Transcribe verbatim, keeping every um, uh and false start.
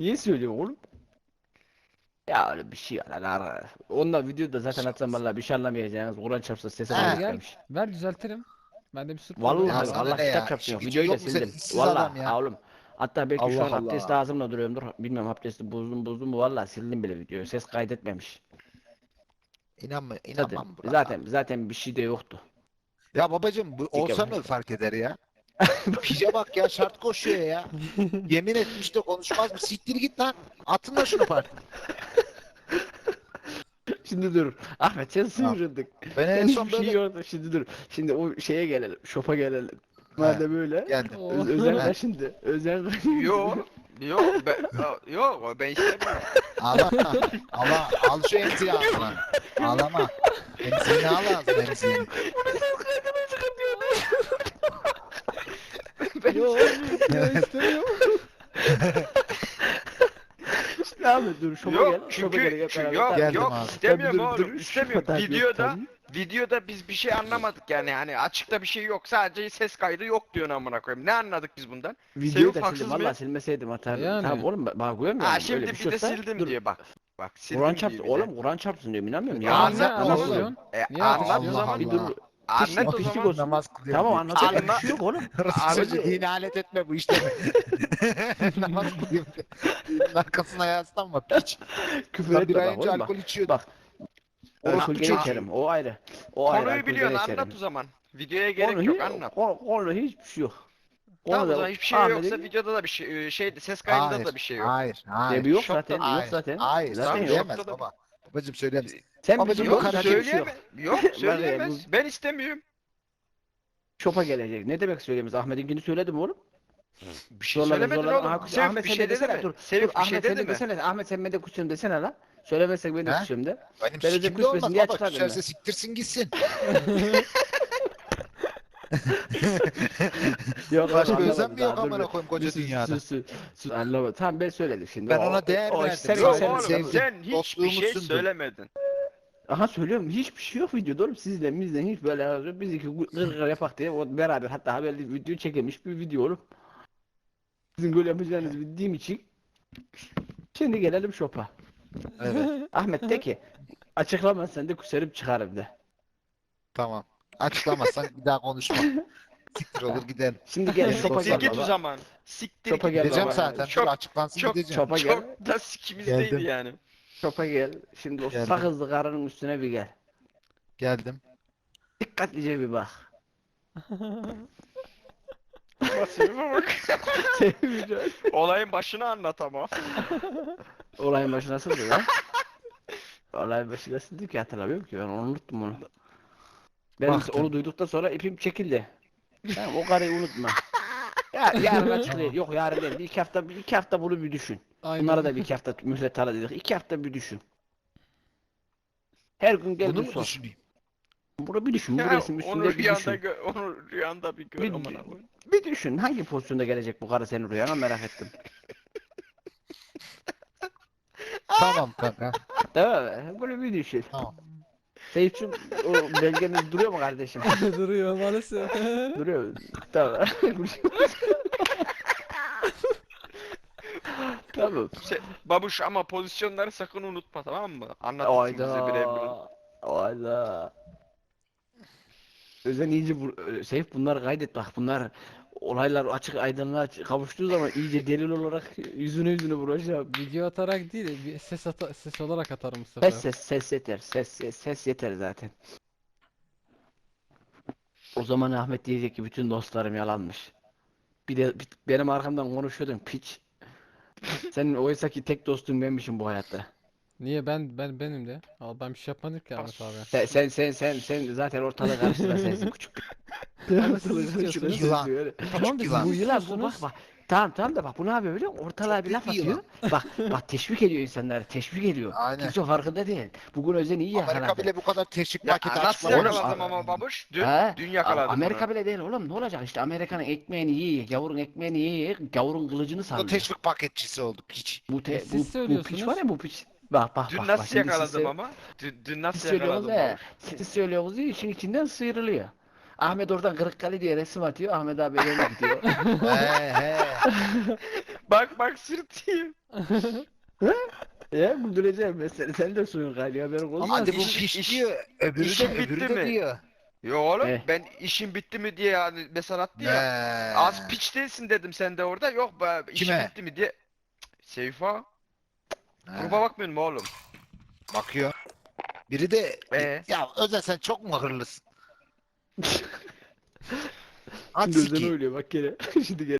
Niye söylüyorsun oğlum? Ya öyle bir şey var lan ara. Onunla videoda zaten atsam vallahi bir şey anlamayacaksınız. Kur'an çarpsa sesi He. kayıt Gel gel. etmemiş. Ver düzeltirim. Bende bir sürü problem Ya Vallahi var. sana Allah ne kitap ya? çarpsın İşi yok. gücü Videoyu da yok mu senin? sildim. İşsiz adam Vallahi ya. ha oğlum. Hatta belki şu Allah an abdest Allah. ağzımla duruyorumdur. Bilmem abdesti bozdum bozdum mu vallahi sildim bile videoyu. Ses kaydetmemiş. İnanma, Zaten inanmam buna. zaten zaten bir şey de yoktu. Ya babacım bu olsa mı Dikkat fark eder ya? Pije bak ya, şart koşuyor ya. Yemin etmiş de konuşmaz mı? Siktir git lan. Atın da şunu park. Şimdi dur. Ahmet sen Tamam. sıyırıldık. Ben en Sen son hiçbir şey böyle yoktu. Şimdi dur. Şimdi o şeye gelelim. Şopa gelelim. He, Madem öyle. geldim. Öz Özel He. kaşındı. Özel kaşındı. Yok. Yok ben yok ben istemiyorum. Ağlama. Ama al şu emziği ağzına. Ağlama. Emziğini al ağzına, emziğini. Yok ya istemiyorum. Şimdi Ahmet dur şopa gel. Yok Şopa gel. çünkü hep çünkü- beraber yok tabii. Geldim yok abi. istemiyorum Tabii dur, dur, oğlum şu istemiyorum. tabii, Videoda tabii. videoda biz bir şey anlamadık yani hani açıkta bir şey yok sadece ses kaydı yok diyorsun amına koyayım. Ne anladık biz bundan? Videoyu Sevip da haksız sildim. mıyım? Valla silmeseydim atardım. Yani. Tamam oğlum bak bak görmüyor Ha musun? şimdi Öyle bir, bir şey de olsa sildim dur. diye bak. Bak sildim Kur'an diye çarpsın bir de. oğlum Kur'an çarpsın diyorum inanmıyorum ya. Ya Anlat anlat o ne zaman. istiyorsun? E, Niye anlat o ateşliyorsun? zaman. Bir dur. Anlat o Pislik zaman. olsun. Namaz kılıyorum. Tamam diye. anlatacak Anla- bir şey yok oğlum. Çocuğu Abi- dini alet etme bu işte. Namaz kılıyorum. Dinin arkasına yaslanma piç. Küfür Lan bir etme ay bak önce oğlum bak. alkol içiyordun. Bak. Orospu Alkol gene çocuğu. içerim. O ayrı. O ayrı. Konuyu alkol biliyorsun gene anlat içerim. o zaman. Videoya gerek Konu yok hi- anlat. Konu, konu hiçbir şey yok. Tamam o Konuda zaman hiçbir şey Ahmet'in yoksa videoda da bir şey şey ses kaydında Hayır, da bir şey yok. hayır, hayır. debi yok Şokta- zaten. Yok Hayır, zaten. hayır, Zaten yok. söyleyemez Şokta da- baba. Babacım söyleyemez. Sen Babacım bizim bu Yok kadar yok bir şey yok. söyleyemez. Yok Var ya, söyleyemez. Ben istemiyorum. Şopa gelecek. Ne demek söyleyemez? Ahmet'inkini söyledim oğlum. Bir şey Zorladın, söylemedin zorladın. oğlum. Aha, Sevip Ahmet bir sen şey de dedi desene mi? dur. Sevip Dur bir Ahmet şey sen dedi de mi? desene. Ahmet sen ben de kusuyorum desene lan. Söylemezsek ben de He? kusuyorum de. Benim Ben sikimde kusmesin olmaz diye baba. açıkladım Küserse ben. siktirsin gitsin. Yok Başka anlamadım özen mi daha, yok dur amına bir- koyayım koca sus, dünyada? sus, sus, sus. Anlamadım. Tamam ben söyledim şimdi. Ben O- ona değer o verdim. sen- Yok sen- oğlum sevdim. sen hiçbir Dostluğumu şey sundum. söylemedin. Aha söylüyorum hiçbir şey yok videoda oğlum sizden bizden hiç böyle yazıyor. Biz iki gır gır yapak diye o beraber hatta haberli video çekilmiş bir video oğlum. Sizin böyle yapacağınızı bildiğim için. Şimdi gelelim şopa. Evet, Ahmet de ki açıklamazsan de kuserim çıkarım de. tamam. Açıklamazsan bir daha konuşma. Siktir olur gidelim. Şimdi gel şopa Siktir gel git o baba. zaman. Siktir Şopa git. gel Gideceğim baba. zaten. Çok- Dur açıklansın çok- gideceğim. Şopa gel. Çok da sikimizdeydi Geldim. yani. Şopa gel. Şimdi o Geldim. sakızlı karının üstüne bir gel. Geldim. Dikkatlice bir bak. Masaya bak. Sevmeyeceğim. Olayın başını anlat ama. Olayın başı nasıldı lan? Olayın başı nasıldı ki hatırlamıyorum ki ben onu unuttum onu. Ben Baktım. onu duyduktan sonra ipim çekildi. Tamam o karıyı unutma. Ya yarın açıklayayım. Yok yarın değil. Bir iki hafta bir iki hafta bunu bir düşün. Aynen. Bunlara da bir iki hafta mühlet ara dedik. İki hafta bir düşün. Her gün gel Bunu bir mu sor. düşüneyim? Bunu bir düşün. Bu Ya, resim onu üstünde bir rüyanda düşün. gö onu rüyanda bir gör Bir- amına koyayım. Bir düşün. Hangi pozisyonda gelecek bu karı senin rüyana merak ettim. Tamam kanka. Değil mi? Bunu bir düşün. Tamam. Seyitçim o belgeniz duruyor mu kardeşim? Duruyor maalesef. Duruyor. Tamam. Tamam. Şey, babuş ama pozisyonları sakın unutma tamam mı? Anlatırsın bize birer birer. Ayda. Ayda. Özen iyice bu Seyf bunları kaydet bak bunlar olaylar açık aydınlığa kavuştuğu zaman iyice delil olarak yüzüne yüzüne vuracağım. Video atarak değil, bir ses ata ses olarak atarım bu sefer. Ses ses ses yeter. Ses ses ses yeter zaten. O zaman Ahmet diyecek ki bütün dostlarım yalanmış. Bir de bir- benim arkamdan konuşuyordun piç. Senin oysa ki tek dostun benmişim bu hayatta. Niye ben ben benim de? Al ben bir şey yapmadım ki Ahmet abi. Sen sen sen sen, sen zaten ortalığı karıştıran sensin küçük. Ama siz Ortalığı istiyorsunuz. karıştıran Yılan. sensin öyle. Tamam da yılan. siz Bu yılan bu istiyorsunuz. bak bak. Tamam tamam da bak bu ne yapıyor biliyor musun? Ortalığa Çok bir laf büyük bir atıyor. Bak bak teşvik ediyor insanları. Teşvik ediyor. Aynen. Kimse farkında değil. Bugün Özen iyi Amerika yakaladı. bile bu kadar teşvik Ya paketi nasıl açmadı. yakaladım ama babuş? Dün, He? dün yakaladım Amerika bunu. bile değil oğlum ne olacak işte Amerika'nın ekmeğini yiye, gavurun ekmeğini yiye, gavurun kılıcını Bu sallıyor. teşvik paketçisi oldu piç. Bu, te, E siz bu, bu piç söylüyorsunuz. var ya bu piç. Bak bak Dün bak. nasıl bak. Şimdi siz yakaladım sö- ama? Dün, dün Siz nasıl söylüyorsunuz yakaladım ya. babuş? Siz söylüyorsunuz ya işin içinden sıyrılıyor. Ahmet oradan Kırıkkale diye resim atıyor. Ahmet abi eline gidiyor. he he. Bak bak sırtıyım. Ya güldüreceğim ben seni. Sen de suyun galiba haberin olsun. Ama Hadi bu iş- piş iş- diyor. Öbürü işin de öbürü bitti de mi? diyor. Yo oğlum Eh. ben işim bitti mi diye yani mesaj attı ya. Ne? Az piç değilsin dedim sen de orada. Yok be işim Kime? bitti mi diye. Cık, Seyfa. Ha, Gruba bakmıyor mu oğlum? bakıyor. Biri de Ee? ya Özel sen çok mu hırlısın? At Gözden sikeyim. oynuyor bak gene. Şimdi gene.